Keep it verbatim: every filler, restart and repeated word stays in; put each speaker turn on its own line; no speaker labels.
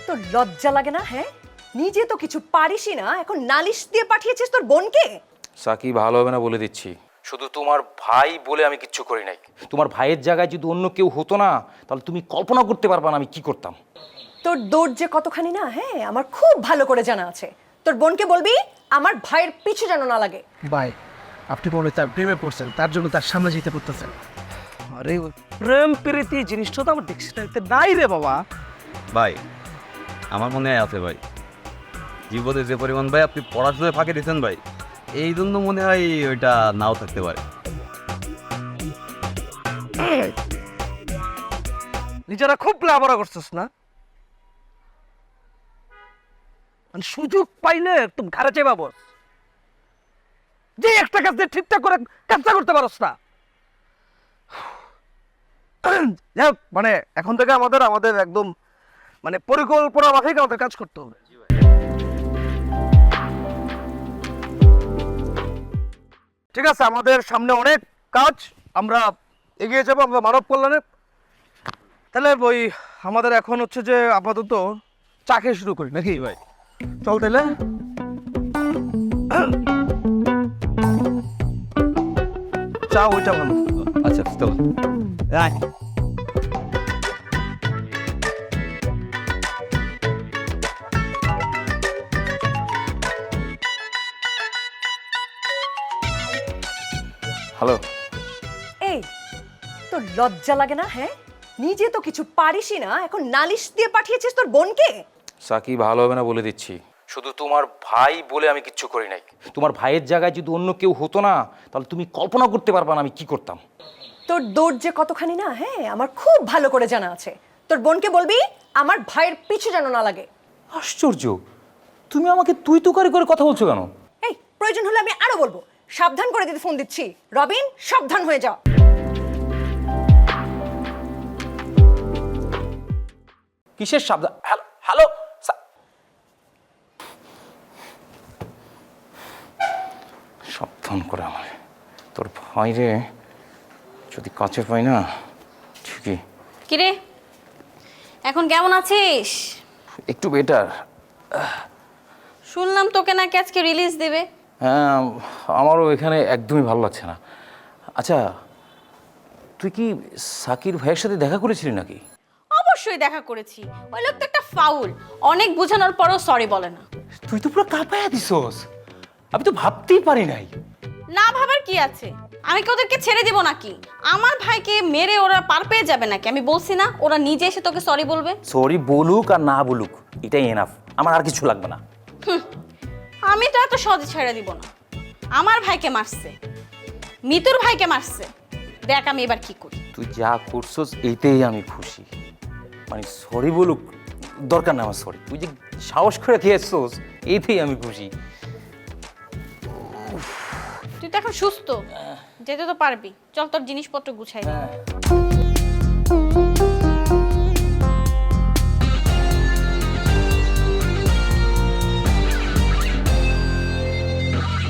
তোর লজ্জা লাগে না? হ্যাঁ, নিজে তো কিছু পারিসই না, এখন নালিশ দিয়ে পাঠিয়েছিস তোর বোনকে।
সাকি ভালো হবে না বলে দিচ্ছি। শুধু তোমার ভাই বলে আমি কিচ্ছু করি নাই। তোমার ভাইয়ের জায়গায় যদি অন্য কেউ হতো না, তাহলে তুমি কল্পনা করতে পারবা না আমি কি করতাম।
তোর দৌড় যে কতখানি না, হ্যাঁ আমার খুব ভালো করে জানা আছে। তোর বোনকে বলবি আমার ভাইয়ের পিছু যেন না লাগে।
ভাই, আপনি মনে হয় তার প্রেমে পড়ছেন, তার জন্য তার সামনে যেতে পড়তেছেন।
আরে প্রেম প্রীতি জিনিসটা তো আমার ডিকশনারিতে নাই রে বাবা।
ভাই আমার মনে হয় আছে ভাই, জীবনে যে পরিমাণ ভাই আপনি পড়াশোনায় ফাঁকে দিচ্ছেন ভাই, এই জন্য মনে হয় ওইটা নাও থাকতে পারে।
নিজেরা খুব লাভরা করছিস না, মানে সুযোগ পাইলে একদম ঘাড়ে চেপা বস, যে একটা কাজ দিয়ে ঠিকঠাক করে কাজটা করতে পারস না। যাই হোক, মানে এখন থেকে আমাদের আমাদের একদম মানে পরিকল্পনা মাফিক আমাদের কাজ করতে হবে। ঠিক আছে, আমাদের সামনে অনেক কাজ, আমরা এগিয়ে যাবো আমরা মানব কল্যাণে। তাহলে ওই আমাদের এখন হচ্ছে যে আপাতত চা খেয়ে শুরু করি নাকি ভাই? চল তাহলে। চা ওইটা ভালো।
আচ্ছা চলো।
আয়।
হ্যালো।
এই, তোর লজ্জা লাগে না? হ্যাঁ, নিজে তো কিছু পারিসই না, এখন নালিশ দিয়ে পাঠিয়েছিস তোর বোনকে।
সাকি ভালো হবে না বলে দিচ্ছি। শুধু তোমার ভাই বলে আমি কিচ্ছু করি নাই। তোমার ভাইয়ের জায়গায় যদি অন্য কেউ হতো না, তাহলে তুমি কল্পনা করতে পারবা না আমি কি করতাম।
তোর দৌড় যে কতখানি না, হ্যাঁ আমার খুব ভালো করে জানা আছে। তোর বোনকে বলবি আমার ভাইয়ের পিছু যেন না লাগে।
আশ্চর্য, তুমি আমাকে তুই তুকারি করে কথা বলছো কেন?
এই, প্রয়োজন হলে আমি আরো বলবো। সাবধান করে দিতে ফোন দিচ্ছি। রবিন, সাবধান হয়ে যা।
কিসের সাবধান? Hello hello. সাবধান করে আমার তোর ভাই রে, যদি কাছে পাই না ঠিকই।
কিরে, এখন কেমন আছিস?
একটু বেটার।
শুনলাম তোকে নাকি আজকে রিলিজ দেবে।
হ্যাঁ, আমারও এখানে একদমই ভালো লাগছে না। আচ্ছা, তুই কি সাকির ভাইয়ের সাথে দেখা করেছিলি নাকি?
অবশ্যই দেখা করেছি। ওই লোক তো একটা ফাউল, অনেক বোঝানোর পরও সরি বলে না।
তুই তো পুরো কাঁপায়া দিছস, আমি তো ভাবতেই পারি নাই।
না ভাবার কি আছে? আমি কি ওদেরকে ছেড়ে দিব নাকি? আমার ভাইকে মেরে ওরা পার পেয়ে যাবে নাকি? আমি বলছি না ওরা নিজে এসে তোকে সরি বলবে।
সরি বলুক আর না বলুক, এটাই এনাফ, আমার আর কিছু লাগবে না।
হুম, আমি তো এত সহজে ছেড়ে দিব না। আমার ভাইকে মারছে, মিতুর ভাইকে মারছে, দেখ আমি এবার কি করি।
তুই যা করছস এইতেই আমি খুশি। মানে সরি বলুক দরকার না আমার, সরি তুই যে সাহস করে খেয়েছস এইতেই আমি খুশি।
তুই তো এখন সুস্থ, যেতে তো পারবি। চল তোর জিনিসপত্র গুছাই দে।
হ্যাঁ।